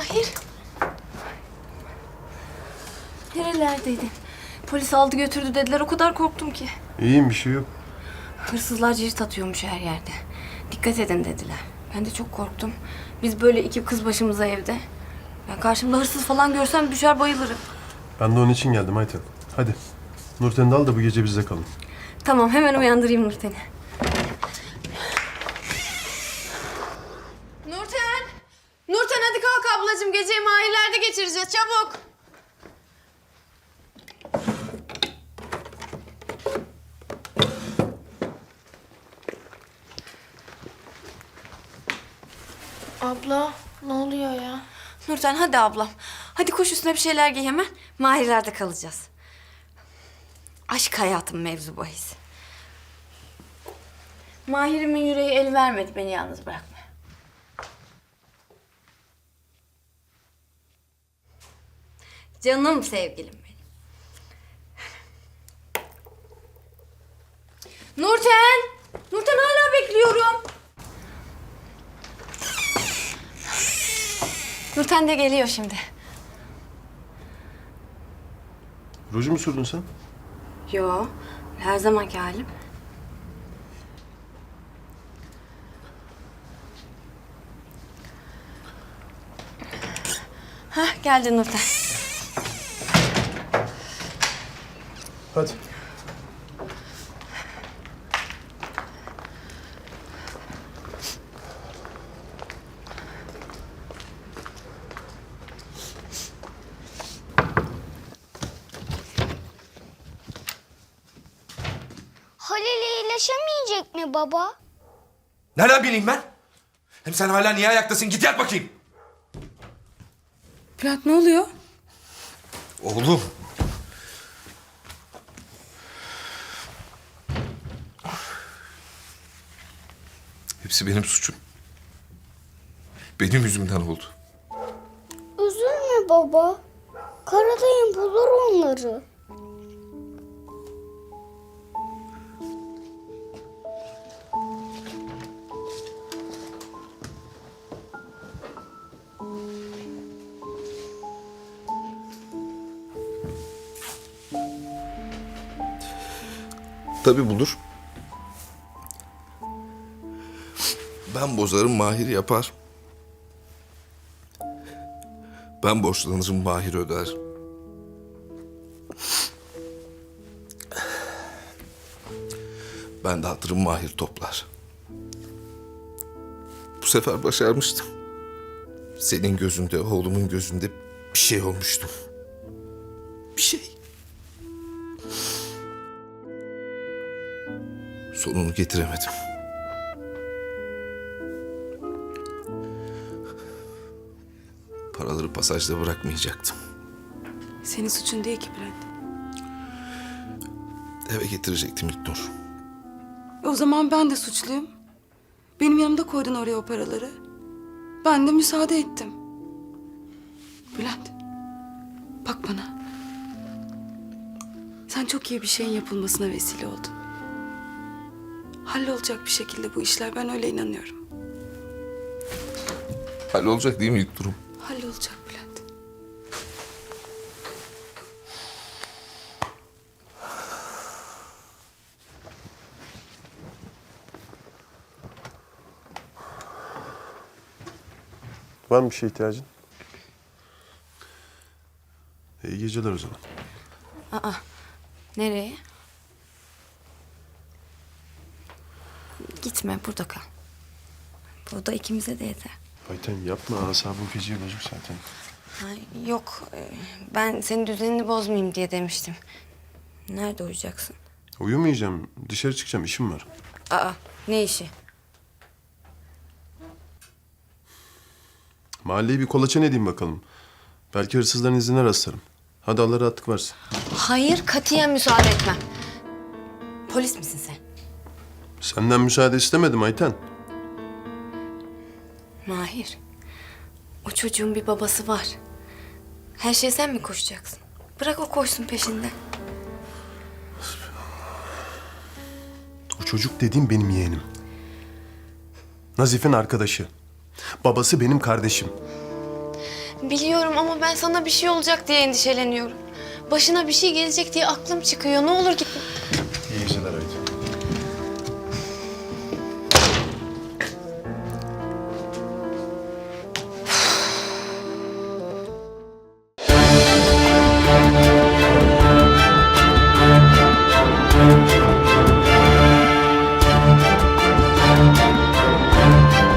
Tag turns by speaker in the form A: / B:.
A: Mahir. Nerelerdeydin? Polis aldı götürdü dediler. O kadar korktum ki.
B: İyiyim, bir şey yok.
A: Hırsızlar cirit atıyormuş her yerde. Dikkat edin dediler. Ben de çok korktum. Biz böyle iki kız başımıza evde. Ben karşımda hırsız falan görsem düşer bayılırım.
B: Ben de onun için geldim Ayten. Hadi. Nurten'i de al da bu gece bizde kalın.
A: Tamam, hemen uyandırayım Nurten'i. Nurten! Nurten hadi kalk ablacığım. Geceyi Mahirler'de geçireceğiz. Çabuk!
C: Abla ne oluyor ya?
A: Nurten hadi ablam. Hadi koş üstüne bir şeyler giy hemen. Mahirler'de kalacağız. Aşk hayatım mevzu bahis. Mahir'imin yüreği el vermedi beni yalnız bırakma. Canım sevgilim benim. Nurten! Nurten hala bekliyorum. Nurten de geliyor şimdi.
B: Ruju mu sürdün sen?
A: Yo, her zamanki halim. Hah, geldi Nurten.
B: Hadi.
C: Halil iyileşemeyecek mi baba?
D: Nereden bileyim ben? Hem sen hala niye ayaktasın? Git yat bakayım.
A: Bülent ne oluyor?
D: Oğlum. Hepsi benim suçum. Benim yüzümden oldu.
C: Üzülme baba. Karadayım bulur onları.
D: Tabii bulur. Ben bozarım, Mahir yapar. Ben borçlanırım, Mahir öder. Ben dağıtırım, Mahir toplar. Bu sefer başarmıştım. Senin gözünde, oğlumun gözünde bir şey olmuştum. Bir şey. Sonunu getiremedim. Paraları pasajda bırakmayacaktım.
A: Senin suçun değil ki Bülent.
D: Eve getirecektim İlknur.
E: O zaman ben de suçluyum. Benim yanımda koydun oraya o paraları. Ben de müsaade ettim. Bülent, bak bana. Sen çok iyi bir şeyin yapılmasına vesile oldun. Hallolacak bir şekilde bu işler, ben öyle inanıyorum.
D: Hallolacak değil mi İlknur'um?
E: Hallolacak Bülent.
B: Var mı bir şeye ihtiyacın? İyi geceler o zaman.
A: Nereye? Gitme, burada kal. Burada ikimize de yeter.
B: Ayten yapma, asabım feci bozuk zaten.
A: Yok, ben senin düzenini bozmayayım diye demiştim. Nerede uyuyacaksın?
B: Uyumayacağım, dışarı çıkacağım, işim var.
A: Ne işi?
B: Mahalleyi bir kolaçan edeyim bakalım. Belki hırsızların izine rastlarım. Hadi Allah rahatlık versin.
A: Hayır, katiyen müsaade etmem. Polis misin sen?
B: Senden müsaade istemedim Ayten.
A: Mahir, o çocuğun bir babası var. Her şeye sen mi koşacaksın? Bırak o koşsun peşinden.
B: O çocuk dediğim benim yeğenim. Nazif'in arkadaşı. Babası benim kardeşim.
A: Biliyorum ama ben sana bir şey olacak diye endişeleniyorum. Başına bir şey gelecek diye aklım çıkıyor. Ne olur gitme.
B: İyi geceler.